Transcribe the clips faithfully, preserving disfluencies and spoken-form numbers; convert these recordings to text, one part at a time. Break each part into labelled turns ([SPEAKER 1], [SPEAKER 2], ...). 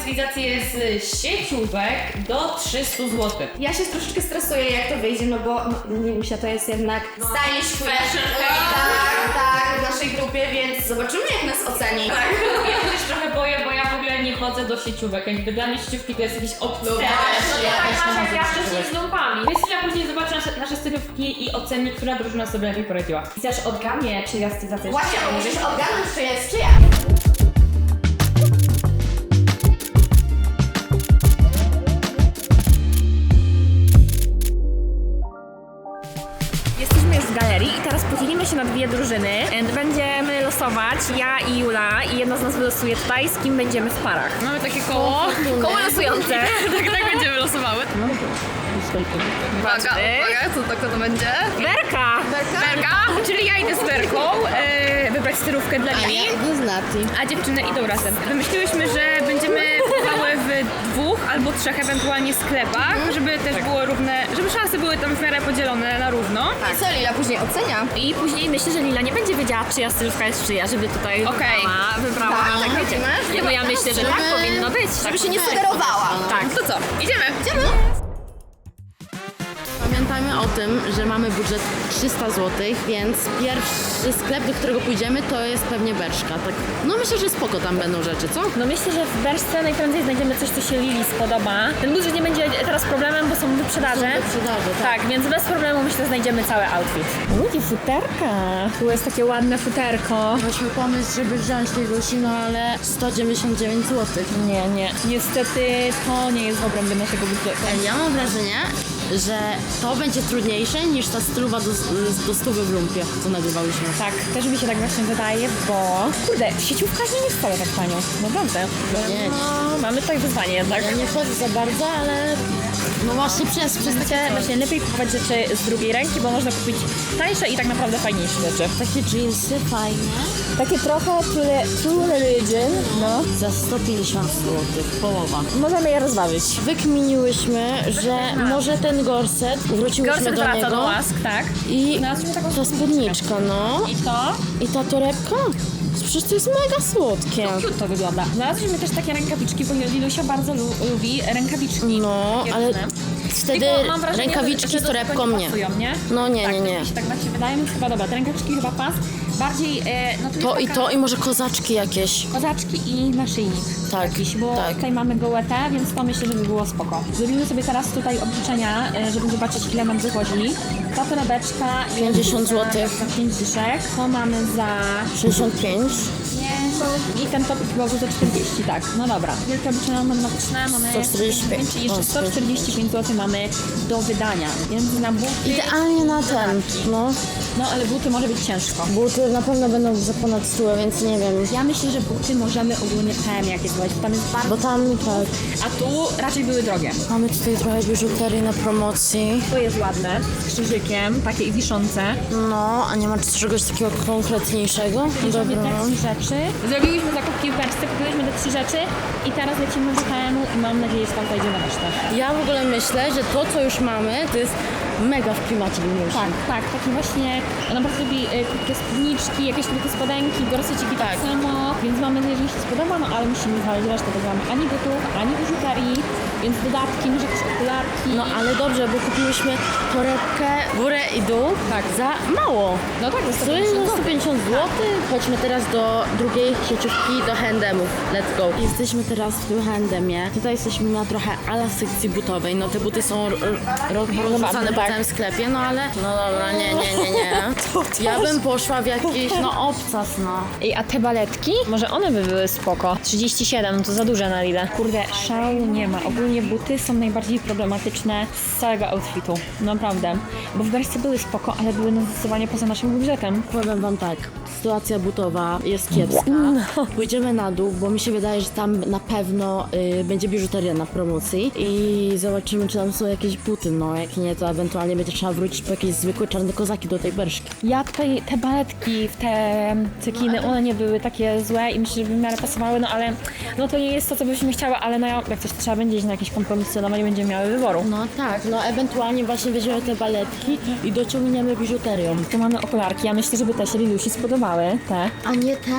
[SPEAKER 1] stylizację z sieciówek do trzystu złotych.
[SPEAKER 2] Ja się troszeczkę stresuję, jak to wyjdzie, no bo no, nie wiem, to jest jednak stylish
[SPEAKER 1] fashion
[SPEAKER 2] tak, tak, w naszej grupie, więc zobaczymy, jak nas oceni.
[SPEAKER 1] Tak, ja się też trochę boję, bo ja w ogóle nie chodzę do sieciówek. Jakby dla mnie sieciówki to jest jakiś obcy.
[SPEAKER 2] No właśnie,
[SPEAKER 1] ja
[SPEAKER 2] ja
[SPEAKER 1] tak
[SPEAKER 2] też
[SPEAKER 1] masz
[SPEAKER 2] nie
[SPEAKER 1] jak ja
[SPEAKER 2] chodzę do
[SPEAKER 1] wcześniej z lumpami. Krystyna później zobaczy nasze, nasze stylówki i oceni, która drużyna sobie lepiej poradziła.
[SPEAKER 2] Chcesz odgadnie, czyja stylizacja jest Właśnie, czyja.
[SPEAKER 1] musisz
[SPEAKER 2] odgadnąć, czy jest czyja. Jesteśmy już w galerii i teraz podzielimy się na dwie drużyny. Będziemy losować, ja i Jula, i jedna z nas wylosuje tutaj, z kim będziemy w parach.
[SPEAKER 1] Mamy takie koło.
[SPEAKER 2] Koło losujące.
[SPEAKER 1] tak, tak będziemy losowały.
[SPEAKER 2] Uwaga,
[SPEAKER 1] uwaga, co to, kto to będzie?
[SPEAKER 2] Berka!
[SPEAKER 1] Berka? Berka? Czyli ja idę z Berką, e, wybrać stylówkę dla Lili,
[SPEAKER 2] idę z Nati.
[SPEAKER 1] a dziewczyny idą razem. Wymyśliłyśmy, że będziemy kupowały w dwóch albo trzech ewentualnie sklepach, żeby też było równe, żeby szanse były tam w miarę podzielone na równo.
[SPEAKER 2] I co Lila później ocenia? I później myślę, że Lila nie będzie wiedziała, czyja stylówka jest czyja, żeby tutaj
[SPEAKER 1] Okej.
[SPEAKER 2] wybrała, wybrała
[SPEAKER 3] Tak,
[SPEAKER 2] tak, wiecie.
[SPEAKER 3] widzimy?
[SPEAKER 2] No ja myślę, że tak powinno być.
[SPEAKER 3] Żeby się nie sugerowała.
[SPEAKER 1] Tak, to co? Idziemy! Idziemy!
[SPEAKER 3] Pamiętajmy o tym, że mamy budżet trzysta złotych, więc pierwszy sklep, do którego pójdziemy, to jest pewnie Berszka. Tak. No myślę, że spoko tam będą rzeczy, co?
[SPEAKER 2] No myślę, że w Berszce najprędzej znajdziemy coś, co się Lili spodoba. Ten budżet nie będzie teraz problemem, bo są wyprzedaże.
[SPEAKER 3] Są wyprzedaże, tak.
[SPEAKER 2] Tak, więc bez problemu myślę, znajdziemy cały outfit. Ludzie, futerka. Tu jest takie ładne futerko.
[SPEAKER 3] Mieliśmy pomysł, żeby wziąć tej Lusi, no ale sto dziewięćdziesiąt dziewięć złotych.
[SPEAKER 2] Nie, nie. Niestety to nie jest w obrębie naszego budżetu.
[SPEAKER 3] Ej, ja mam wrażenie, że to będzie trudniejsze niż ta stylowa do, do stówy w lumpie, co nagrywałyśmy.
[SPEAKER 2] Tak, też mi się tak właśnie wydaje, bo kurde, sieciówka nie jest wcale tak tanio, naprawdę.
[SPEAKER 3] Nie.
[SPEAKER 2] No, mamy tutaj wyzwanie jednak.
[SPEAKER 3] Ja nie wchodzę za bardzo, ale no właśnie przez, przez takie
[SPEAKER 2] Właśnie, właśnie lepiej kupować rzeczy z drugiej ręki, bo można kupić tańsze i tak naprawdę fajniejsze rzeczy.
[SPEAKER 3] takie jeansy fajne.
[SPEAKER 2] Takie trochę True Religion, no.
[SPEAKER 3] Za sto pięćdziesiąt złotych, połowa.
[SPEAKER 2] Możemy je rozważyć.
[SPEAKER 3] Wykminiłyśmy, że może ten gorset, wróciłyśmy
[SPEAKER 2] Gorset
[SPEAKER 3] do
[SPEAKER 2] wraca
[SPEAKER 3] niego.
[SPEAKER 2] do łask, tak.
[SPEAKER 3] I
[SPEAKER 2] Znalazłyśmy taką
[SPEAKER 3] ta spódniczka, no.
[SPEAKER 2] I to?
[SPEAKER 3] I ta torebka. Przecież to jest mega słodkie.
[SPEAKER 2] Cute to wygląda. Znalazłyśmy też takie rękawiczki, bo Lilusia bardzo lu lubi rękawiczki.
[SPEAKER 3] No, ale
[SPEAKER 2] Piękne.
[SPEAKER 3] wtedy
[SPEAKER 2] Tylko mam wrażenie,
[SPEAKER 3] rękawiczki
[SPEAKER 2] że, że
[SPEAKER 3] z
[SPEAKER 2] do
[SPEAKER 3] torebką
[SPEAKER 2] tego
[SPEAKER 3] nie.
[SPEAKER 2] Pasują, nie?
[SPEAKER 3] No nie,
[SPEAKER 2] tak,
[SPEAKER 3] nie, nie.
[SPEAKER 2] Tak, mi się tak właśnie wydaje, mi chyba dobra. Te rękawiczki chyba pas. Bardziej, e, no tu
[SPEAKER 3] To
[SPEAKER 2] jest
[SPEAKER 3] i
[SPEAKER 2] taka
[SPEAKER 3] to, i może kozaczki jakieś.
[SPEAKER 2] kozaczki i naszyjnik.
[SPEAKER 3] Tak,
[SPEAKER 2] Jakiś, bo
[SPEAKER 3] tak.
[SPEAKER 2] tutaj mamy gołetę, więc to myślę, że by było spoko. Zrobimy sobie teraz tutaj obliczenia, e, żeby zobaczyć, ile nam wychodzi. Ta torebeczka jest
[SPEAKER 3] pięćdziesiąt
[SPEAKER 2] za-
[SPEAKER 3] złotych.
[SPEAKER 2] Za pięć dyszek. To mamy za
[SPEAKER 3] sześćdziesiąt pięć.
[SPEAKER 2] i ten topik chyba był za czterdzieści, tak. No dobra. Wielkie obliczenia matematyczne mamy
[SPEAKER 3] sto czterdzieści pięć.
[SPEAKER 2] i jeszcze
[SPEAKER 3] O,
[SPEAKER 2] sto czterdzieści pięć złotych mamy do wydania. Więc na buty...
[SPEAKER 3] Idealnie na ten, no.
[SPEAKER 2] No ale buty może być ciężko.
[SPEAKER 3] Buty na pewno będą za ponad sto, więc nie wiem.
[SPEAKER 2] Ja myślę, że buty możemy ogólnie P M jakieś złożyć, tam jest bardzo...
[SPEAKER 3] Bo tam tak.
[SPEAKER 2] A tu raczej były drogie.
[SPEAKER 3] Mamy tutaj trochę biżuterii na promocji.
[SPEAKER 2] To jest ładne, z krzyżykiem, takie i wiszące.
[SPEAKER 3] No, a nie ma czegoś takiego konkretniejszego?
[SPEAKER 2] Bierzemy
[SPEAKER 3] Dobra.
[SPEAKER 2] te trzy rzeczy. Zrobiłyśmy zakupki w Berszce, kupiliśmy te trzy rzeczy i teraz lecimy do P M u i mam nadzieję, że tam zajdzie na resztę.
[SPEAKER 3] Ja w ogóle myślę, że to, co już mamy, to jest mega w klimacie Liliusi.
[SPEAKER 2] Tak, tak, taki właśnie, ona bardzo lubi y, krótkie spódniczki, jakieś krótkie spodenki, gorseciki tak.
[SPEAKER 3] Tak.
[SPEAKER 2] samo, więc mamy nadzieję, że mi się spodoba, no ale musimy znaleźć resztę, bo nie mamy ani butów, ani biżuterii, więc dodatki, może jakieś okularki.
[SPEAKER 3] No ale dobrze, bo kupiłyśmy torebkę górę i dół
[SPEAKER 2] Tak.
[SPEAKER 3] za mało.
[SPEAKER 2] No tak, jest
[SPEAKER 3] W sumie za sto pięćdziesiąt złotych. Chodźmy teraz do drugiej sieciówki, do H and M'ów. Let's go. Jesteśmy teraz w tym H and M'ie. Tutaj jesteśmy na trochę ala sekcji butowej. No te buty są rozrzucane po
[SPEAKER 2] tak.
[SPEAKER 3] całym sklepie, no ale... No dobra, nie, nie, nie, nie. Ja bym poszła w jakiś, no obcas, no.
[SPEAKER 2] Ej, a te baletki? Może one by były spoko. trzydzieści siedem, no to za duże na Lidl. Kurde, szału nie ma. Ogólnie buty są najbardziej problematyczne z całego outfitu. Naprawdę. Bo w Berszce były spoko, ale były no zdecydowanie poza naszym budżetem.
[SPEAKER 3] Powiem wam tak, sytuacja butowa jest kiepska. Pójdziemy na dół, bo mi się wydaje, że tam na pewno y, będzie biżuteria na promocji i zobaczymy, czy tam są jakieś buty. No, jak nie, to ewentualnie będzie trzeba wrócić po jakieś zwykłe czarne kozaki do tej Berszki.
[SPEAKER 2] Ja tutaj te baletki w te cekiny, one nie były takie złe i myślę, że by w miarę pasowały, no ale no to nie jest to, co byśmy chciały, ale no jak coś trzeba będzie iść na jakieś kompromisy, no bo nie będziemy miały wyboru.
[SPEAKER 3] No tak, no ewentualnie właśnie weźmiemy te baletki i dociągniemy biżuterią.
[SPEAKER 2] Tu mamy okularki, ja myślę, żeby te się Lilusi spodobały, te.
[SPEAKER 3] A nie te?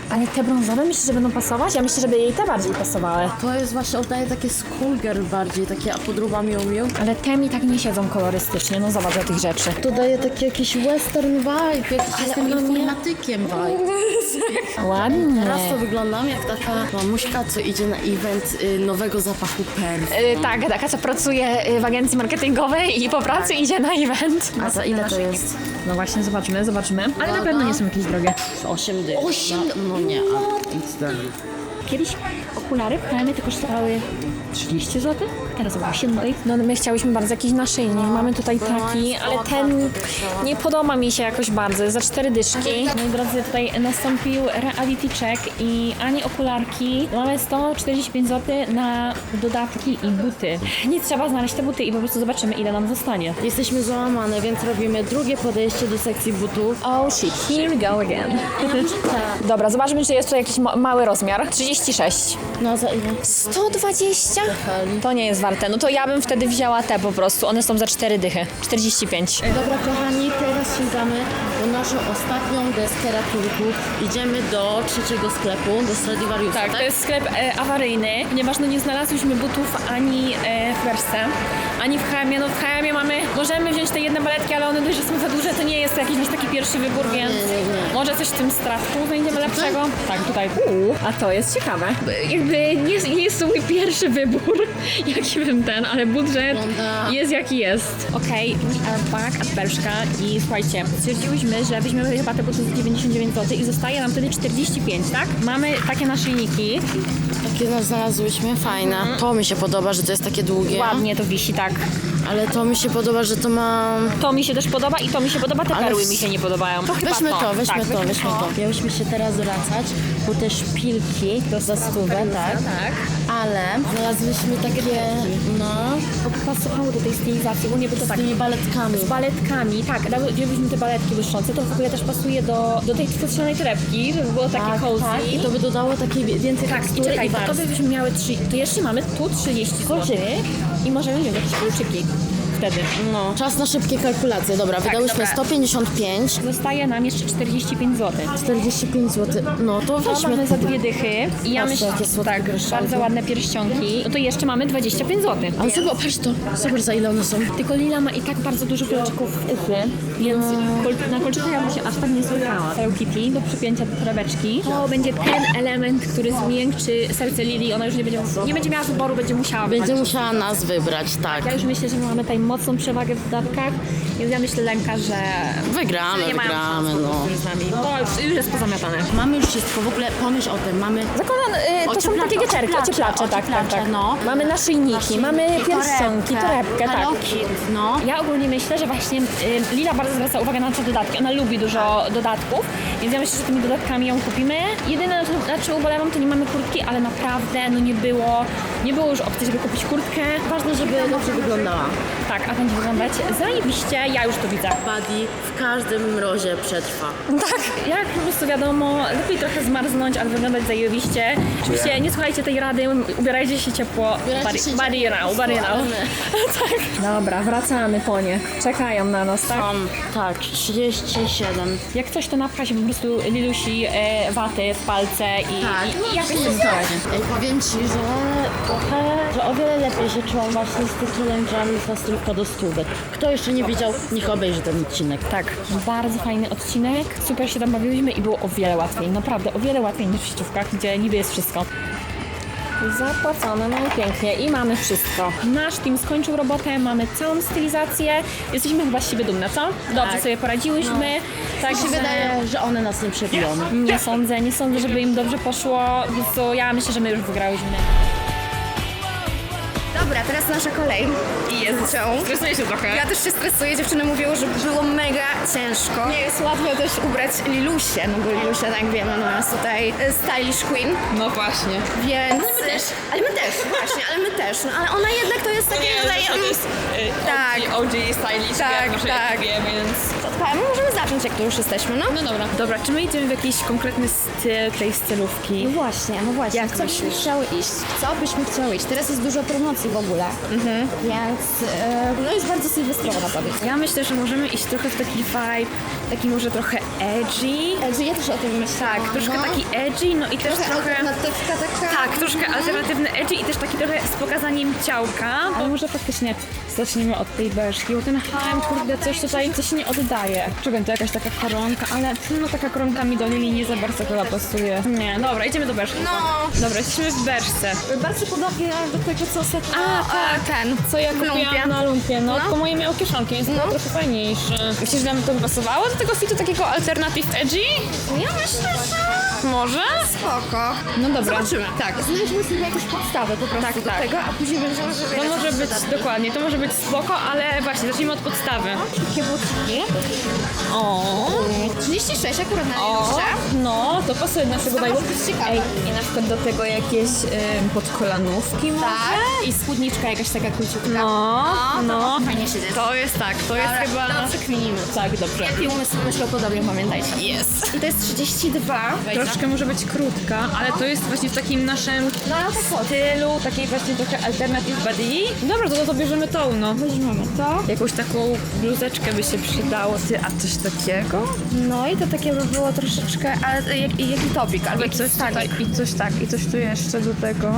[SPEAKER 2] Ale te brązowe myślisz, że będą pasować? Ja myślę, żeby jej te bardziej pasowały.
[SPEAKER 3] To jest właśnie, oddaje takie schoolgirl bardziej, takie podróba miu miu.
[SPEAKER 2] Ale te mi tak nie siedzą kolorystycznie, no zobacz do tych rzeczy.
[SPEAKER 3] To daje taki jakiś western vibe, jakiś jestem informatykiem vibe.
[SPEAKER 2] Ładnie.
[SPEAKER 3] Teraz to wyglądam jak taka mamuśka, co idzie na event y, nowego zapachu perfum.
[SPEAKER 2] Y, tak, taka co pracuje y, w agencji marketingowej i po pracy idzie na event.
[SPEAKER 3] A za ile to jest?
[SPEAKER 2] No właśnie, zobaczymy, zobaczymy. Ale na pewno nie są jakieś drogie.
[SPEAKER 3] osiem dych. osiem? No, no nie, a nic tam.
[SPEAKER 2] Kiedyś okulary w H and M to kosztowały trzydzieści złotych, teraz osiem złotych. No my chciałyśmy bardzo jakiś naszyjnik, mamy tutaj taki, ale ten nie podoba mi się jakoś bardzo, jest za cztery dyszki. Moi drodzy, tutaj nastąpił reality check i ani okularki, mamy sto czterdzieści pięć złotych na dodatki i buty. Nic, trzeba znaleźć te buty i po prostu zobaczymy, ile nam zostanie.
[SPEAKER 3] Jesteśmy załamane, więc robimy drugie podejście do sekcji butów.
[SPEAKER 2] Oh shit, here we go again. Dobra, zobaczmy, czy jest tu jakiś ma- mały rozmiar. trzydzieści sześć.
[SPEAKER 3] No za ile?
[SPEAKER 2] sto dwadzieścia? To nie jest warte. No to ja bym wtedy wzięła te po prostu. One są za cztery dychy. czterdzieści pięć.
[SPEAKER 3] Dobra kochani, teraz sięgamy po naszą ostatnią deskę ratunku. Idziemy do trzeciego sklepu, do Stradivariusa,
[SPEAKER 1] Tak,
[SPEAKER 3] tak?
[SPEAKER 1] to jest sklep e, awaryjny, ponieważ no nie znalazłyśmy butów ani e, w Wersce, ani w H and M. No w H and M mamy, możemy wziąć te jedne baletki, ale one dość, że są za duże, to nie jest jakiś nasz taki pierwszy wybór, więc
[SPEAKER 3] nie, nie.
[SPEAKER 1] może coś w tym strawku znajdziemy lepszego. Tak, tutaj.
[SPEAKER 2] Uuu, a to jest ciekawe. Jakby nie, nie jest to mój pierwszy wybór, jaki bym ten, ale budżet
[SPEAKER 3] Wygląda-
[SPEAKER 2] jest jaki jest. Okej, we are back at Bershka i słuchajcie, stwierdziłyśmy, że weźmiemy chyba te buty za dziewięćdziesiąt dziewięć złotych i zostaje nam wtedy czterdzieści pięć, tak? Mamy takie naszyjniki.
[SPEAKER 3] Takie nas znalazłyśmy, fajne. To mi się podoba, że to jest takie długie.
[SPEAKER 2] Ładnie to wisi, tak.
[SPEAKER 3] Ale to mi się podoba, że to ma...
[SPEAKER 2] To mi się też podoba i to mi się podoba, te
[SPEAKER 3] Ale
[SPEAKER 2] perły
[SPEAKER 3] s-
[SPEAKER 2] mi się nie podobają. To chyba
[SPEAKER 3] Weźmy to, weźmy
[SPEAKER 2] tak,
[SPEAKER 3] to, weźmy to. Miałyśmy się teraz wracać po te szpilki za stówę, tak?
[SPEAKER 2] Tak.
[SPEAKER 3] Ale znalazłyśmy takie, no,
[SPEAKER 2] Pasowały do tej stylizacji, bo nie by to
[SPEAKER 3] z
[SPEAKER 2] tak
[SPEAKER 3] tymi baletkami.
[SPEAKER 2] z baletkami, tak, wzięliśmy te baletki błyszczące, to w ogóle też pasuje do, do tej futrzanej torebki, żeby było takie
[SPEAKER 3] Tak,
[SPEAKER 2] cozy.
[SPEAKER 3] tak, i to by dodało takiej więcej
[SPEAKER 2] Tak, i
[SPEAKER 3] tekstury
[SPEAKER 2] czekaj,
[SPEAKER 3] i
[SPEAKER 2] to, to
[SPEAKER 3] warstw.
[SPEAKER 2] byśmy miały trzy, to jeszcze mamy tu trzydzieści złotych i możemy wziąć jakieś kluczyki wtedy.
[SPEAKER 3] No, czas na szybkie kalkulacje. Dobra, wydałyśmy
[SPEAKER 2] dobra.
[SPEAKER 3] sto pięćdziesiąt pięć,
[SPEAKER 2] Zostaje nam jeszcze czterdzieści pięć złotych.
[SPEAKER 3] czterdzieści pięć złotych. No to
[SPEAKER 2] To
[SPEAKER 3] weźmy.
[SPEAKER 2] mamy za dwie dychy i ja
[SPEAKER 3] Patrzcie,
[SPEAKER 2] myślę,
[SPEAKER 3] jakie słodkie
[SPEAKER 2] tak,
[SPEAKER 3] groszki.
[SPEAKER 2] bardzo ładne pierścionki. No to jeszcze mamy dwadzieścia pięć złotych.
[SPEAKER 3] Ale sobie opatrz to. Zobacz za ile one są.
[SPEAKER 2] Tylko Lila ma i tak bardzo dużo kluczyków w uchy, więc kol- na kolczykach ja bym się aż tak nie słuchała. Hello Kitty do przypięcia do torebeczki. To będzie ten element, który zmiękczy serce Lili. Ona już nie będzie, nie będzie miała wyboru, będzie musiała
[SPEAKER 3] Będzie
[SPEAKER 2] wybrać.
[SPEAKER 3] musiała nas wybrać, tak.
[SPEAKER 2] Ja już myślę, że my mamy tutaj mocną przewagę w dodatkach, więc ja myślę, Lenka, że
[SPEAKER 3] Wygramy,
[SPEAKER 2] nie mają
[SPEAKER 3] wygramy,
[SPEAKER 2] szans
[SPEAKER 3] no.
[SPEAKER 2] już z nami. To już, już jest pozamiatane.
[SPEAKER 3] Mamy już wszystko, w ogóle pomyśl o tym, mamy...
[SPEAKER 2] Zakładam, y, to są
[SPEAKER 3] Ocieplacze,
[SPEAKER 2] takie wieczerki,
[SPEAKER 3] ocieplacze,
[SPEAKER 2] ocieplacze, tak, tak,
[SPEAKER 3] ocieplacze,
[SPEAKER 2] tak.
[SPEAKER 3] no.
[SPEAKER 2] Mamy naszyjniki, mamy pierścionki, torebkę, tak.
[SPEAKER 3] Hello Kitty, no.
[SPEAKER 2] Ja ogólnie myślę, że właśnie y, Lila bardzo zwraca uwagę na te dodatki. Ona lubi dużo dodatków, więc ja myślę, że tymi dodatkami ją kupimy. Jedyne, na czym, na czym ubolewam, to nie mamy kurtki, ale naprawdę no nie było, nie było już opcji, żeby kupić kurtkę.
[SPEAKER 3] Ważne, żeby dobrze wyglądała.
[SPEAKER 2] Tak, a będzie wyglądać zajebiście, ja już to widzę.
[SPEAKER 3] Buddy w każdym mrozie przetrwa.
[SPEAKER 2] Tak, jak po prostu wiadomo, lepiej trochę zmarznąć, ale wyglądać zajebiście. Oczywiście nie słuchajcie tej rady, ubierajcie się ciepło.
[SPEAKER 3] Ubierajcie się
[SPEAKER 2] Body
[SPEAKER 3] ciepło,
[SPEAKER 2] now, body now.
[SPEAKER 3] ale my.
[SPEAKER 2] Tak. Dobra, wracamy po nie. Czekają na nas, tak?
[SPEAKER 3] Mam, tak, trzydzieści siedem.
[SPEAKER 2] Jak coś, to napcha się po prostu Lilusi e, waty w palce i,
[SPEAKER 3] Tak,
[SPEAKER 2] i, i jakoś to poradzi.
[SPEAKER 3] Ej, powiem Ci, że trochę, że o wiele lepiej się czułam właśnie z tych challenge'ami z stylówka do stówek. Kto jeszcze nie widział, niech obejrzy ten odcinek.
[SPEAKER 2] Tak, bardzo fajny odcinek, super się tam bawiłyśmy i było o wiele łatwiej, naprawdę o wiele łatwiej niż w sieciówkach, gdzie niby jest wszystko. Zapłacone, no i pięknie i mamy wszystko. Nasz team skończył robotę, mamy całą stylizację, jesteśmy chyba z siebie dumne, co? Dobrze
[SPEAKER 3] Tak.
[SPEAKER 2] sobie poradziłyśmy, tak
[SPEAKER 3] Mi się wydaje, że one nas nie przebiją.
[SPEAKER 2] Nie sądzę, nie sądzę, żeby im dobrze poszło, więc to ja myślę, że my już wygrałyśmy.
[SPEAKER 4] Dobra, teraz nasza kolej. I jest
[SPEAKER 1] Stresuję się trochę.
[SPEAKER 4] Ja też się stresuję, dziewczyny mówiły, że było mega ciężko. Nie jest łatwo też ubrać Lilusię, no bo Lilusia, tak wiemy, no jest tutaj y, stylish queen,
[SPEAKER 1] No właśnie.
[SPEAKER 4] więc... Ale my też. Ale my też, właśnie, ale my też. No ale ona jednak to jest takie rodzaj...
[SPEAKER 1] to jest
[SPEAKER 4] Tak.
[SPEAKER 1] O G stylish,
[SPEAKER 4] Tak,
[SPEAKER 1] może
[SPEAKER 4] tak.
[SPEAKER 1] ja wie, więc...
[SPEAKER 4] Słuchaj, my możemy zacząć, jak tu już jesteśmy, no?
[SPEAKER 1] No dobra. Dobra, czy my idziemy w jakiś konkretny styl tej stylówki?
[SPEAKER 5] No właśnie, no właśnie.
[SPEAKER 4] Jak
[SPEAKER 5] w co byśmy
[SPEAKER 4] myślisz?
[SPEAKER 5] chciały iść? W co byśmy chciały iść? Teraz jest dużo promocji w ogóle,
[SPEAKER 4] Mhm.
[SPEAKER 5] więc e, no jest bardzo sylwestrowo na tobie.
[SPEAKER 1] Ja myślę, że możemy iść trochę w taki vibe taki może trochę edgy.
[SPEAKER 4] Edgy, ja też o tym myślałam.
[SPEAKER 1] Tak, troszkę
[SPEAKER 4] no.
[SPEAKER 1] taki edgy, no i też
[SPEAKER 4] Trochę
[SPEAKER 1] trochę...
[SPEAKER 4] alternatywka taka.
[SPEAKER 1] Tak, troszkę alternatywny edgy i też taki trochę z pokazaniem ciałka. Ale może faktycznie zacznijmy od tej beżki, bo ten H M, kurde, coś tutaj, coś nie oddaje. Czekaj, to jakaś taka koronka, ale no taka koronka mi do Lili nie za bardzo chyba pasuje. Nie, dobra, idziemy do beżki.
[SPEAKER 4] No.
[SPEAKER 1] Dobra, jesteśmy w beżce.
[SPEAKER 2] Bardzo podobnie do tego, co ostatnio.
[SPEAKER 1] A, tak.
[SPEAKER 4] Ten.
[SPEAKER 2] Co ja
[SPEAKER 4] Lumpia.
[SPEAKER 2] kupiłam na lumpie, no,
[SPEAKER 4] No.
[SPEAKER 2] tylko moje miało kieszonki, jest to trochę fajniejsze. Myślisz, że nam to by pasowało do tego fitu takiego alternative edgy?
[SPEAKER 4] Ja myślę, że
[SPEAKER 1] Może?
[SPEAKER 4] spoko.
[SPEAKER 2] No dobra.
[SPEAKER 4] Zobaczymy. Tak. Znajdźmy sobie jakąś podstawę po prostu
[SPEAKER 1] Tak,
[SPEAKER 4] do
[SPEAKER 1] tak.
[SPEAKER 4] tego, a później będziemy sobie...
[SPEAKER 1] To może być, dokładnie, to może być spoko, ale właśnie, zacznijmy od podstawy.
[SPEAKER 4] Takie butki.
[SPEAKER 2] O,
[SPEAKER 4] trzydzieści sześć akurat na
[SPEAKER 2] o,
[SPEAKER 4] liście.
[SPEAKER 2] no, to pasuje do naszego bajku.
[SPEAKER 4] może być ciekawe.
[SPEAKER 2] Ej, i na przykład do tego jakieś ym, podkolanówki może?
[SPEAKER 4] Tak.
[SPEAKER 2] I spódniczka jakaś taka króciutka.
[SPEAKER 1] No, no.
[SPEAKER 4] Fajnie się dzieje.
[SPEAKER 1] To jest tak, to jest
[SPEAKER 4] Dobra,
[SPEAKER 1] chyba...
[SPEAKER 4] to przekminimy.
[SPEAKER 2] Tak, dobrze.
[SPEAKER 4] Jaki umysł myślał podobnie, pamiętajcie.
[SPEAKER 1] Jest.
[SPEAKER 4] I to jest trzydzieści dwa.
[SPEAKER 1] Troszkę może być krótka, ale to jest właśnie w takim naszym
[SPEAKER 4] No, tak
[SPEAKER 1] stylu, takiej właśnie trochę alternative body. Dobra, to, to bierzemy tą, no.
[SPEAKER 4] Weźmiemy to.
[SPEAKER 1] Jakąś taką bluzeczkę by się przydało. Ty, a coś takiego?
[SPEAKER 4] No i to takie by było troszeczkę, ale jak, jaki topik, albo jakiś
[SPEAKER 1] Coś tutaj,
[SPEAKER 4] stanik.
[SPEAKER 1] i coś tak, i coś tu jeszcze do tego.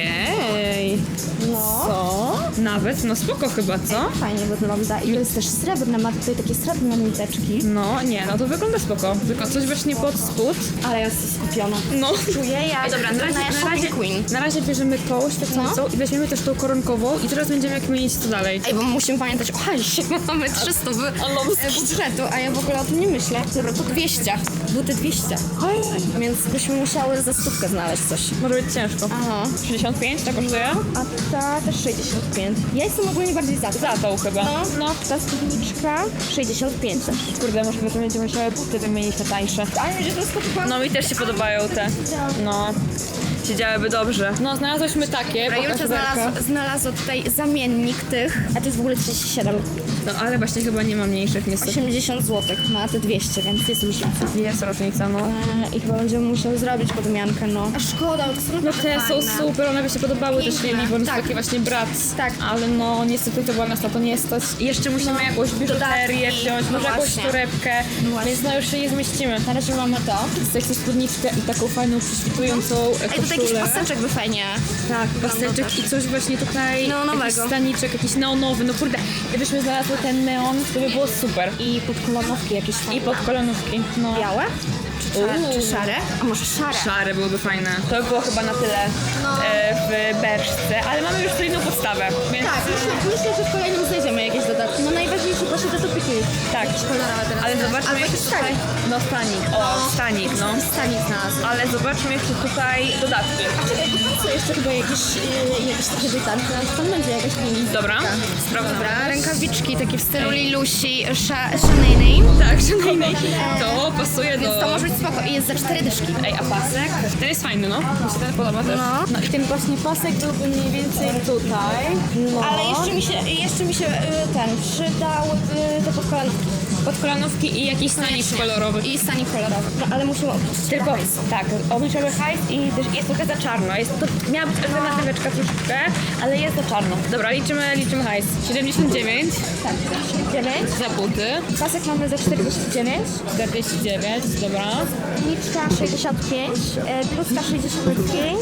[SPEAKER 1] Ej,
[SPEAKER 4] No.
[SPEAKER 1] co? Nawet, no spoko chyba, co?
[SPEAKER 4] Fajnie wygląda i to jest też srebrne, ma tutaj takie srebrne niteczki.
[SPEAKER 1] No, nie, no to wygląda spoko. Tylko coś właśnie pod spód.
[SPEAKER 4] Ale ja jestem skupiona.
[SPEAKER 1] No.
[SPEAKER 4] Czuję jak
[SPEAKER 1] Ej, dobra, na razie, na, razie,
[SPEAKER 4] Queen.
[SPEAKER 1] na razie bierzemy tą świetlicą i weźmiemy też tą koronkową i teraz będziemy jak kminić co dalej.
[SPEAKER 4] Ej, bo musimy pamiętać o hajsie, mamy trzysta w e, budżetu, a ja w ogóle o tym nie myślę. Dobra, to dwieście. Buty dwieście. Więc byśmy musiały za stówkę znaleźć coś.
[SPEAKER 1] Może być ciężko.
[SPEAKER 4] Aha.
[SPEAKER 1] sześćdziesiąt pięć to kosztuje?
[SPEAKER 4] A ta też sześćdziesiąt pięć. Ja jestem ogólnie bardziej za to.
[SPEAKER 1] Za tą chyba.
[SPEAKER 4] No, no. Ta spódniczka sześćdziesiąt pięć też.
[SPEAKER 1] Kurde, może potem będziemy musiały buty wymienić na tańsze.
[SPEAKER 4] Ale że to jest chyba...
[SPEAKER 1] No mi też się podobają te. No. Siedziałyby dobrze. No, znalazłyśmy takie.
[SPEAKER 4] Dobra,
[SPEAKER 1] pokaż
[SPEAKER 4] Julcia
[SPEAKER 1] Werka.
[SPEAKER 4] znalazła, znalazła tutaj zamiennik tych, a to jest w ogóle trzydzieści siedem.
[SPEAKER 1] No ale właśnie chyba nie ma mniejszych niestety.
[SPEAKER 4] osiemdziesiąt złotych, ma te dwieście, więc jest różnica.
[SPEAKER 1] Jest różnica, no.
[SPEAKER 4] E, I chyba będziemy musiały zrobić podmiankę, no. A szkoda, bo to są
[SPEAKER 1] No te są super, one by się podobały też
[SPEAKER 4] Piękne,
[SPEAKER 1] Lili, bo one są
[SPEAKER 4] tak.
[SPEAKER 1] takie właśnie brat.
[SPEAKER 4] Tak.
[SPEAKER 1] Ale no niestety to była nas na to nie stać. I jeszcze musimy
[SPEAKER 4] No,
[SPEAKER 1] jakąś biżuterię
[SPEAKER 4] dodatki,
[SPEAKER 1] wziąć,
[SPEAKER 4] no
[SPEAKER 1] może jakąś
[SPEAKER 4] właśnie.
[SPEAKER 1] torebkę,
[SPEAKER 4] właśnie.
[SPEAKER 1] więc no już się nie zmieścimy.
[SPEAKER 4] Na razie mamy to.
[SPEAKER 1] Chcę jakąś spódniczkę i taką fajną, prześwitującą e,
[SPEAKER 4] Ej, tutaj jakiś
[SPEAKER 1] koszulę.
[SPEAKER 4] paseczek by fajnie.
[SPEAKER 1] Tak, paseczek i coś właśnie tutaj,
[SPEAKER 4] Neonowego.
[SPEAKER 1] jakiś staniczek, jakiś neonowy, no kurde, gdybyśmy znalazły ten neon, to by było super.
[SPEAKER 4] I podkolonówki jakieś fajne.
[SPEAKER 1] I podkolonówki, no.
[SPEAKER 4] białe? Czy szare?
[SPEAKER 1] Uuu.
[SPEAKER 4] Czy szare? A może szare?
[SPEAKER 1] Szare byłyby fajne. To by było chyba na tyle e, w berszce, ale mamy już solidną podstawę, więc
[SPEAKER 4] Tak, myślę, myślę, że w kolejnym znajdziemy jakieś dodatki. No najważniejsze właśnie te topiki.
[SPEAKER 1] tak.
[SPEAKER 4] Jakieś kolorowe teraz.
[SPEAKER 1] Ale zobaczmy
[SPEAKER 4] Albo
[SPEAKER 1] jeszcze
[SPEAKER 4] jakiś
[SPEAKER 1] tutaj.
[SPEAKER 4] stanik.
[SPEAKER 1] No stanik, o stanik, no.
[SPEAKER 4] Stanik znalazłem.
[SPEAKER 1] Ale zobaczmy jeszcze tutaj dodatki.
[SPEAKER 4] Czekaj, to co jeszcze chyba jakieś, yy, jakieś takie wytanki, ale tam będzie jakaś linijka.
[SPEAKER 1] Dobra, sprawdzam.
[SPEAKER 4] Dobra, rękawiczki takie w stylu Lilusi, Shanaynay.
[SPEAKER 1] Tak, szanownej. To pasuje do...
[SPEAKER 4] Więc to może być spoko i jest za cztery dyszki.
[SPEAKER 1] Ej, a pasek? Ten jest fajny, no. Mi się ten podoba też.
[SPEAKER 4] No.
[SPEAKER 1] No i ten właśnie pasek byłby mniej więcej tutaj. No.
[SPEAKER 4] Ale jeszcze mi się, jeszcze mi się y, ten przydał y, te podkolanówki.
[SPEAKER 1] Podkolanówki i jakiś stanik kolorowy.
[SPEAKER 4] I stanik kolorowy. No ale musimy obliczyć
[SPEAKER 1] Tylko, tak, obliczamy hajs i też jest trochę za czarno. Jest, to miała być alternatyweczka troszeczkę, ale jest za czarno. Dobra, liczymy, liczymy hajs. siedemdziesiąt dziewięć
[SPEAKER 4] tak, dziewięć.
[SPEAKER 1] za buty.
[SPEAKER 4] Pasek mamy za czterdzieści dziewięć.
[SPEAKER 1] czterdzieści dziewięć, dobra.
[SPEAKER 4] Niczka sześćdziesiąt pięć. E, bluzka sześćdziesiąt pięć.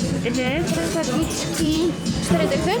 [SPEAKER 4] Rękawiczki cztery dychy.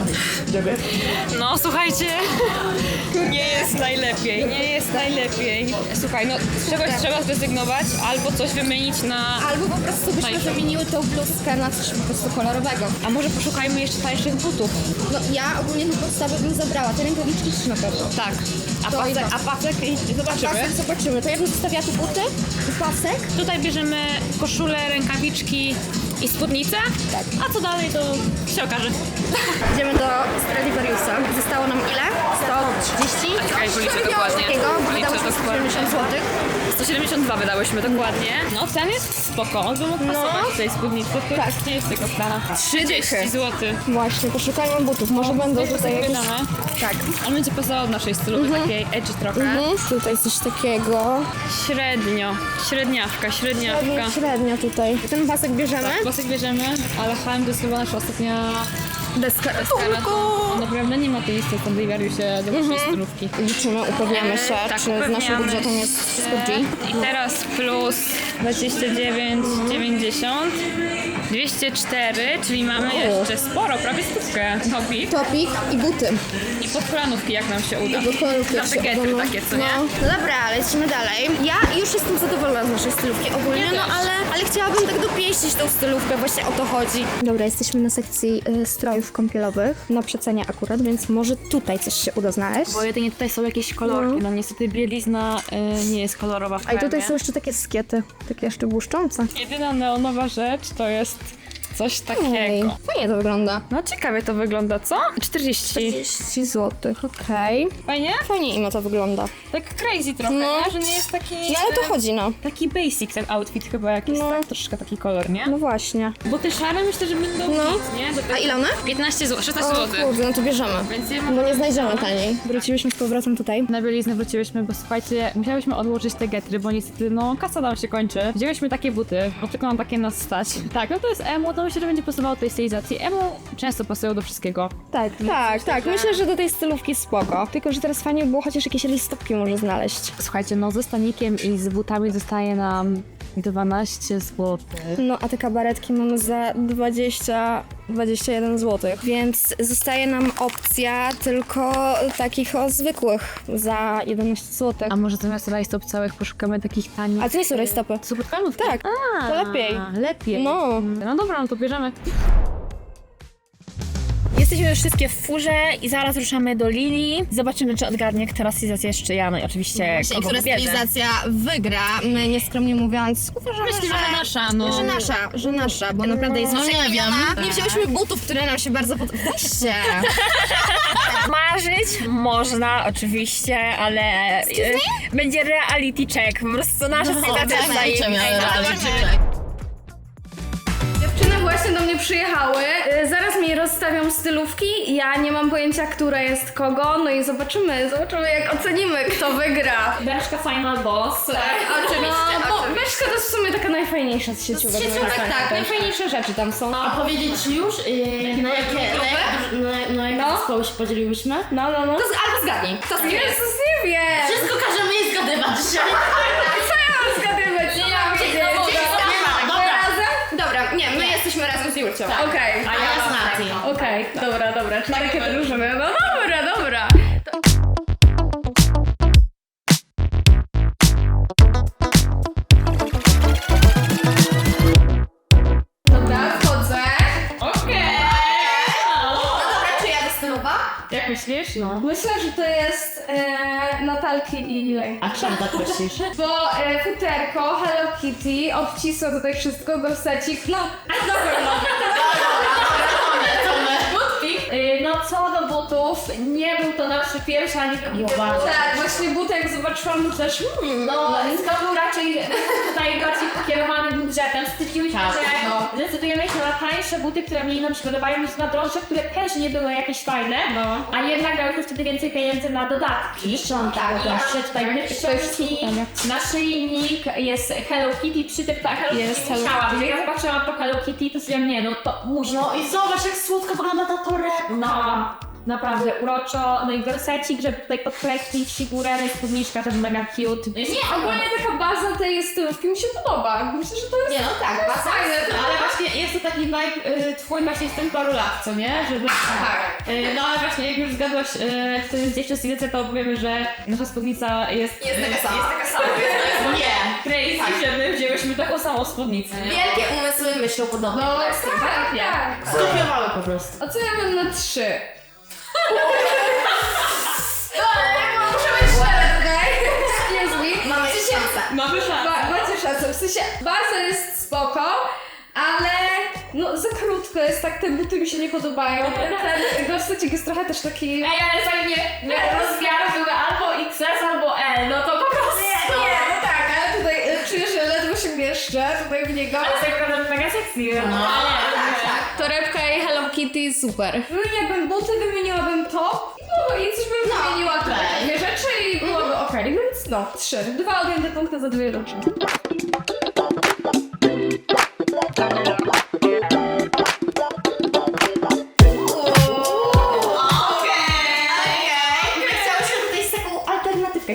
[SPEAKER 1] No, słuchajcie, nie jest najlepiej, nie jest najlepiej. Słuchaj, no z czegoś trzeba zrezygnować albo coś wymienić na...
[SPEAKER 4] Albo po prostu byśmy
[SPEAKER 1] Tańsze.
[SPEAKER 4] wymieniły tą bluzkę na coś po prostu kolorowego.
[SPEAKER 1] A może poszukajmy jeszcze tańszych butów?
[SPEAKER 4] No ja ogólnie tę podstawę bym zabrała. Te rękawiczki też na pewno.
[SPEAKER 1] Tak. A
[SPEAKER 4] To
[SPEAKER 1] pasek,
[SPEAKER 4] idę.
[SPEAKER 1] a pasek i zobaczymy.
[SPEAKER 4] Pasek zobaczymy. To ja bym zostawiała tu buty i pasek.
[SPEAKER 1] Tutaj bierzemy koszulę, rękawiczki i spódnicę.
[SPEAKER 4] Tak.
[SPEAKER 1] A co dalej, to się okaże.
[SPEAKER 4] Idziemy do Stradivariusa. Zostało nam ile? sto trzydzieści?
[SPEAKER 1] Czekaj, policzę dokładnie.
[SPEAKER 4] Takiego, bo
[SPEAKER 1] Policzę
[SPEAKER 4] wydało się
[SPEAKER 1] dokładnie.
[SPEAKER 4] siedemdziesiąt złotych.
[SPEAKER 1] sto siedemdziesiąt dwa wydałyśmy dokładnie. No, ten jest spoko. On by mógł
[SPEAKER 4] No.
[SPEAKER 1] pasować w tej spódnicy. Tak. Nie jest tego stana. trzydzieści złotych.
[SPEAKER 4] Właśnie, poszukajmy butów. Może będą tutaj jakieś...
[SPEAKER 1] Tak. On będzie pasował do naszej stylowej, takiej edgy trochę.
[SPEAKER 4] Mhm. Tutaj coś takiego.
[SPEAKER 1] Średnio. Średniawka, średniawka.
[SPEAKER 4] Średnio, średnio tutaj. Ten pasek bierzemy?
[SPEAKER 1] Pasek bierzemy, ale H M to jest chyba nasza ostatnia
[SPEAKER 4] Deska
[SPEAKER 1] deska na to. naprawdę nie ma tej listy standardariusie do waszej stylówki.
[SPEAKER 4] Liczymy, upewniamy się,
[SPEAKER 1] Tak,
[SPEAKER 4] czy z naszym
[SPEAKER 1] upewniamy
[SPEAKER 4] budżetem jest wszystko G.
[SPEAKER 1] I teraz plus dwadzieścia dziewięć dziewięćdziesiąt, dwieście cztery, czyli mamy jeszcze sporo, prawie stówkę. Topik
[SPEAKER 4] Topik i buty.
[SPEAKER 1] i podkolanówki, jak nam się uda.
[SPEAKER 4] Podkolanówki,
[SPEAKER 1] Na
[SPEAKER 4] jak się
[SPEAKER 1] bagiety
[SPEAKER 4] uda, no.
[SPEAKER 1] takie, co nie?
[SPEAKER 4] No, no dobra, lecimy dalej. Ja już jestem zadowolona z naszej stylówki ogólnie,
[SPEAKER 1] Ja
[SPEAKER 4] no
[SPEAKER 1] też.
[SPEAKER 4] ale, ale chciałabym tak dopieścić tą stylówkę, właśnie o to chodzi. Dobra, jesteśmy na sekcji y, strojów kąpielowych, na przecenie akurat, więc może tutaj coś się uda znaleźć.
[SPEAKER 3] Bo jedynie tutaj są jakieś kolorki, no niestety bielizna y, nie jest kolorowa w
[SPEAKER 4] A i tutaj
[SPEAKER 3] kremie.
[SPEAKER 4] są jeszcze takie skiety, takie jeszcze błyszczące.
[SPEAKER 1] Jedyna neonowa rzecz to jest coś
[SPEAKER 4] Ej,
[SPEAKER 1] takiego.
[SPEAKER 4] fajnie to wygląda.
[SPEAKER 1] No ciekawie to wygląda, co? czterdzieści.
[SPEAKER 4] trzydzieści złotych, okej.
[SPEAKER 1] Fajnie?
[SPEAKER 4] Fajnie im to wygląda.
[SPEAKER 1] Tak crazy trochę,
[SPEAKER 4] No.
[SPEAKER 1] nie? Że nie jest taki...
[SPEAKER 4] No ale to chodzi, no.
[SPEAKER 1] Taki basic ten outfit chyba jakiś,
[SPEAKER 4] No.
[SPEAKER 1] tak? Troszkę taki kolor, nie?
[SPEAKER 4] No właśnie.
[SPEAKER 1] Bo te szare myślę, że będą
[SPEAKER 4] No.
[SPEAKER 1] nic, nie? Do tego-
[SPEAKER 4] A ile one?
[SPEAKER 1] piętnaście złotych, szesnaście
[SPEAKER 4] O
[SPEAKER 1] złotych.
[SPEAKER 4] kurde, no to bierzemy.
[SPEAKER 1] Więc ja mam...
[SPEAKER 4] Bo nie znajdziemy taniej. Wróciliśmy z powrotem tutaj.
[SPEAKER 1] Na bieliznę wróciłyśmy, bo słuchajcie, musiałyśmy odłożyć te getry, bo niestety, no, kasa nam się kończy. Wzięłyśmy takie buty, bo tylko nam takie nas stać. Tak, no to jest emo, to myślę, że będzie pasowało do tej stylizacji. Emo często pasują do wszystkiego.
[SPEAKER 4] Tak, tak, tak. Myślę, że do tej stylówki spoko. Tylko, że teraz fajnie by było chociaż jakieś rylstopki może znaleźć.
[SPEAKER 1] Słuchajcie, no ze stanikiem i z butami zostaje nam dwanaście złotych.
[SPEAKER 4] No, a te kabaretki mamy za dwadzieścia, dwadzieścia jeden złotych. Więc zostaje nam opcja tylko takich o zwykłych za jedenaście złotych.
[SPEAKER 1] A może zamiast rajstop całych poszukamy takich tanich...
[SPEAKER 4] A to nie są rajstopy.
[SPEAKER 1] To są podklanówki?
[SPEAKER 4] Tak, to lepiej.
[SPEAKER 1] A, lepiej.
[SPEAKER 4] No.
[SPEAKER 1] No dobra, no to bierzemy.
[SPEAKER 2] Jesteśmy już wszystkie w furze i zaraz ruszamy do Lili. Zobaczymy, czy odgadnie, która stylizacja jest czyja, no i oczywiście kogo
[SPEAKER 4] która
[SPEAKER 2] wybierze.
[SPEAKER 4] stylizacja wygra, my nieskromnie mówiąc, uważamy,
[SPEAKER 1] Myślę, że nasza, no.
[SPEAKER 4] Że nasza, że nasza, bo naprawdę jest no, nie wiem. Nie wzięłyśmy butów, które nam się bardzo podobają. Weźcie!
[SPEAKER 2] Marzyć można oczywiście, ale e, będzie reality check. Po prostu nasza stylizacja jest zajebista.
[SPEAKER 6] Dziewczyny właśnie do mnie przyjechały, y, zaraz mi rozstawią stylówki, ja nie mam pojęcia, która jest kogo, no i zobaczymy, zobaczymy jak ocenimy, kto wygra.
[SPEAKER 2] Berszka Final Boss.
[SPEAKER 6] Tak, oczywiście. No, bo Myszka to jest w sumie taka najfajniejsza z sieciówek. Sieciówek, tak, najfajniejsze rzeczy tam są.
[SPEAKER 3] A powiedzieć ci już, yy, na jakie, na jakie, na, na jakie
[SPEAKER 6] No.
[SPEAKER 3] zespoły się podzieliłyśmy?
[SPEAKER 6] No, no, no.
[SPEAKER 4] To z, albo zgadnij. To z
[SPEAKER 6] Jezus, nie wiem!
[SPEAKER 3] Wszystko każemy jej zgadywać dzisiaj.
[SPEAKER 6] Co ja mam zgadywać? Nie mam wiedzieć.
[SPEAKER 3] Dobra.
[SPEAKER 6] Razem?
[SPEAKER 4] Dobra, nie, my jesteśmy razem z Julcią.
[SPEAKER 6] Okej.
[SPEAKER 3] A ja z Nati.
[SPEAKER 6] Okej, dobra, dobra, czyli takie drużyny. No dobra, dobra. Dobra, wchodzę.
[SPEAKER 1] Okej.
[SPEAKER 4] Dobra, czy ja stylowa?
[SPEAKER 1] Jak myślisz? No.
[SPEAKER 6] Myślę, że to jest e, Natalki i Ilej.
[SPEAKER 3] A czemu tak myślisz?
[SPEAKER 6] Bo e, futerko, Hello Kitty, obcisło tutaj wszystko, gorsecik, no na pewno.
[SPEAKER 2] Y, No co do butów, nie był to nasz pierwszy ani drugi wybór.
[SPEAKER 6] Tak, właśnie butek zobaczyłam, to też hmm,
[SPEAKER 2] No, to był raczej tutaj bardziej pokierowany budżetem. Stwierdziłyśmy,
[SPEAKER 6] Tak,
[SPEAKER 2] że
[SPEAKER 6] no.
[SPEAKER 2] zdecydujemy się na tańsze buty, które mniej nam się podobają, niż na droższe, które też nie były jakieś fajne,
[SPEAKER 6] No.
[SPEAKER 2] a jednak dałyśmy wtedy więcej pieniędzy na dodatki. Tak, jeszcze tutaj mamy książki, naszyjnik, jest Hello Kitty, przy tym tak, Hello
[SPEAKER 6] Jest
[SPEAKER 2] Kitty
[SPEAKER 6] Hello
[SPEAKER 2] musiałam. Jak ja zobaczyłam to Hello Kitty, to stwierdziłam, nie no, to musi.
[SPEAKER 3] No i zobacz, jak słodko wygląda ta torebka.
[SPEAKER 2] No, naprawdę uroczo, no i gorsecik, żeby tutaj podkreślić figurę, no i spódniczka też mega cute.
[SPEAKER 6] Nie, ogólnie taka baza tej stylówki mi się podoba. Myślę, że to jest
[SPEAKER 4] Nie, no tak, baza
[SPEAKER 6] fajne.
[SPEAKER 1] Ale właśnie jest to taki vibe y, twój właśnie z tym paru lat, co nie? Żeby...
[SPEAKER 6] Tak.
[SPEAKER 1] Y, no ale właśnie jak już zgadłaś, y, kto jest dziewczyn stylizacja, to powiemy, że nasza spódnica jest...
[SPEAKER 4] Jest taka sama.
[SPEAKER 1] Jest taka sama.
[SPEAKER 3] Nie.
[SPEAKER 1] Crazy, że my wzięłyśmy taką samą spódnicę.
[SPEAKER 4] Wielkie umysły myślą podobnie.
[SPEAKER 6] No, tak, tak.
[SPEAKER 3] Skopiowały po prostu.
[SPEAKER 6] Oceniamy na trzy. Muszę być szczera, okej? Excuse me.
[SPEAKER 4] Mamy szansę.
[SPEAKER 1] Mamy szansę.
[SPEAKER 6] Ba- macie szansę, w sensie baza jest spoko, ale no za krótko jest tak, te buty mi się nie podobają. Ten gorsecik jest trochę też taki...
[SPEAKER 2] Ej, ale fajnie, rozmiar były albo X S, albo L, no to po prostu.
[SPEAKER 6] Nie, no tak, ale tutaj y, czuję, że ledwo się mieszczę tutaj w niego.
[SPEAKER 2] Ale tak naprawdę mega sexy. No.
[SPEAKER 6] Torebka i Hello Kitty super. Wymieniłabym buty, wymieniłabym top, no i coś bym
[SPEAKER 4] No,
[SPEAKER 6] wymieniła tutaj
[SPEAKER 4] okej.
[SPEAKER 6] dwie rzeczy i byłoby okej, więc no, trzy. Dwa odjęte punkty za dwie rzeczy.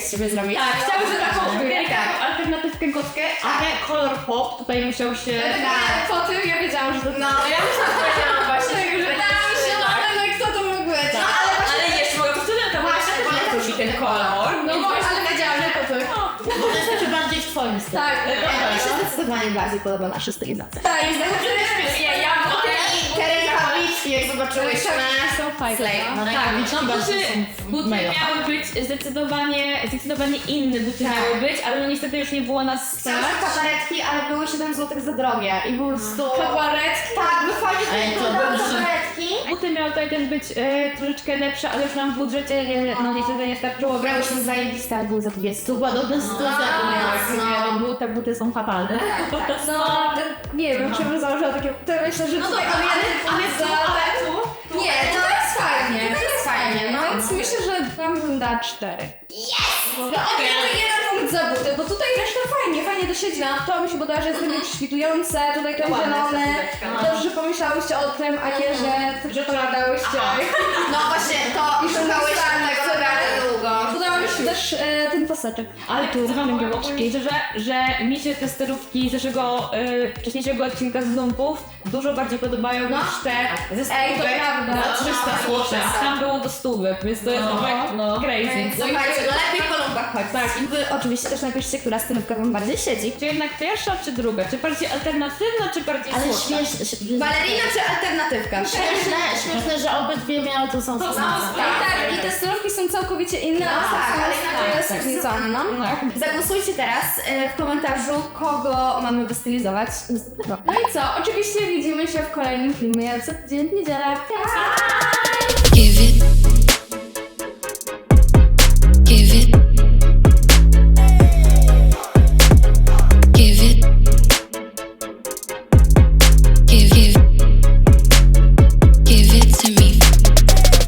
[SPEAKER 4] z ciebie zrobić.
[SPEAKER 1] Tak, chciałabym że taką tak. alternatywkę gotkę, ale kolor pop tutaj musiał się...
[SPEAKER 6] Tak, po tym ja wiedziałam, że to...
[SPEAKER 4] No, ja już tak powiedziałam właśnie.
[SPEAKER 6] Wydaje mi się, no ale kto to mógł być?
[SPEAKER 1] No, ale, ale jeszcze mogę powtórzyć, to właśnie też mi ten kolor.
[SPEAKER 6] No właśnie, ale wiedziałam, że to ty.
[SPEAKER 3] To jest jeszcze bardziej w twoim stylu.
[SPEAKER 6] Tak,
[SPEAKER 3] Mi się zdecydowanie bardziej podoba nasza stylizacja.
[SPEAKER 6] tak,
[SPEAKER 1] Nie, ja
[SPEAKER 3] Te rękawiczki, jak zobaczyłyśmy.
[SPEAKER 1] są fajne.
[SPEAKER 3] No,
[SPEAKER 1] Tak,
[SPEAKER 3] rękawiczki
[SPEAKER 1] no
[SPEAKER 3] bardzo
[SPEAKER 1] buty,
[SPEAKER 3] są
[SPEAKER 1] buty
[SPEAKER 3] mega.
[SPEAKER 1] miały być zdecydowanie, zdecydowanie inne buty miały być, ale no niestety już nie było nas stać.
[SPEAKER 4] kabaretki, ale były siedem złotych za drogie i po prostu...
[SPEAKER 6] kabaretki.
[SPEAKER 4] Tak, wychodzi
[SPEAKER 3] Ej, to
[SPEAKER 4] tutaj
[SPEAKER 3] dobrze.
[SPEAKER 4] kabaretki.
[SPEAKER 1] Buty miały tutaj też być e, troszeczkę lepsze, ale już nam w budżecie e, no niestety nie starczyło.
[SPEAKER 4] Brałyśmy zajebiste, ale były za dwie stóp.
[SPEAKER 3] Podobna sytuacja tu jest.
[SPEAKER 1] Nie, no, bu- te buty są fatalne.
[SPEAKER 6] No, nie wiem, czy bym założyła takie... To myślę, że tutaj on jeden za... Nie, to jest fajnie, to jest fajnie, no więc myślę, że wam bym dała cztery. Yes! No okej, to jeden punkt za buty, bo tutaj reszta fajnie, fajnie to siedzi na to, mi się podoba, że jest takie prześwitujące, tutaj ten zielony. Dobrze, że pomyślałyście o tym, a nie, że że to nadałyście.
[SPEAKER 4] No właśnie, to szukałyśmy tego naprawdę długo.
[SPEAKER 6] Podoba mi się też e, ten paseczek.
[SPEAKER 1] Ale tu wam powiem szczerze, że mi się te sterówki z naszego y, wcześniejszego odcinka z Lumpów dużo bardziej podobają niż te ze
[SPEAKER 6] Ej, to
[SPEAKER 1] stówek
[SPEAKER 6] prawda.
[SPEAKER 1] za trzysta złotych. Tam było do stówek, więc to jest no, crazy.
[SPEAKER 4] Słuchajcie, no lepiej po lumpach chodź.
[SPEAKER 1] Tak,
[SPEAKER 6] I wy oczywiście też napiszcie, która stylówka wam bardziej siedzi.
[SPEAKER 1] czy jednak pierwsza, czy druga? Czy bardziej alternatywna, czy bardziej
[SPEAKER 3] Ale
[SPEAKER 1] słodka?
[SPEAKER 3] śmieszne,
[SPEAKER 6] Balerina czy alternatywka?
[SPEAKER 3] śmieszne, śmieszne, że obydwie miały tą samą
[SPEAKER 6] Tak,
[SPEAKER 3] formację.
[SPEAKER 6] tak, i te stylówki są całkowicie inne, a
[SPEAKER 4] tak,
[SPEAKER 6] tak,
[SPEAKER 4] ale
[SPEAKER 6] ale
[SPEAKER 4] inaczej
[SPEAKER 6] jest
[SPEAKER 4] jest
[SPEAKER 6] różnica. No. Zagłosujcie teraz e, w komentarzu, kogo mamy wystylizować następnego. No i co? Oczywiście widzimy się w kolejnym filmie co tydzień w niedzielę.
[SPEAKER 7] Give it